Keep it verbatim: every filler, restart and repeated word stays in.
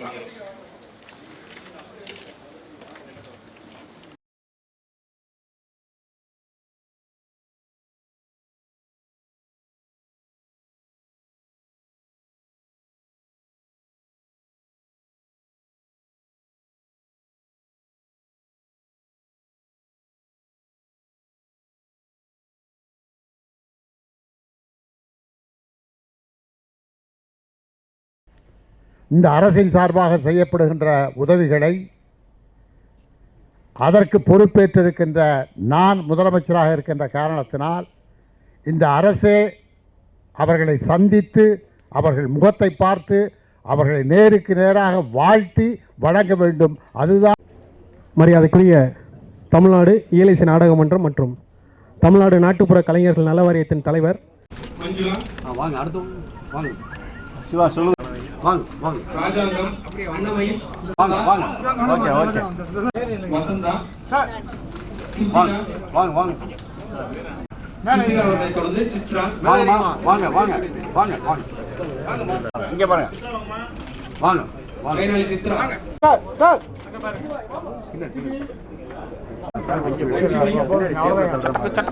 வரவேற்கலாம். இந்த அரசின் சார்பாக செய்யப்படுகின்ற உதவிகளை அதற்கு பொறுப்பேற்றிருக்கின்ற நான் முதலமைச்சராக இருக்கின்ற காரணத்தினால் இந்த அரசே அவர்களை சந்தித்து அவர்கள் முகத்தை பார்த்து அவர்களை நேருக்கு நேராக வாழ்த்தி வழங்க வேண்டும். அதுதான் மரியாதைக்குரிய தமிழ்நாடு இயலிசை நாடக மன்றம் மற்றும் தமிழ்நாடு நாட்டுப்புற கலைஞர்கள் நல வாரியத்தின் தலைவர் மஞ்சுளா வாங்க. அடுத்து வாங்க. சிவா சொல்லுங்க. வாங்க வாங்க. ராஜாங்கம் அன்னமயில் வாங்க வாங்க. Okay okay. வசந்தா வாங்க வாங்க வாங்க. சுசிலா அவர்களை தொடர்ந்து சித்ரா. வாங்க வாங்க வாங்க வாங்க வாங்க. இங்க பாருங்க. வாங்க வாங்க. கைநாளி சித்ரா. Sir sir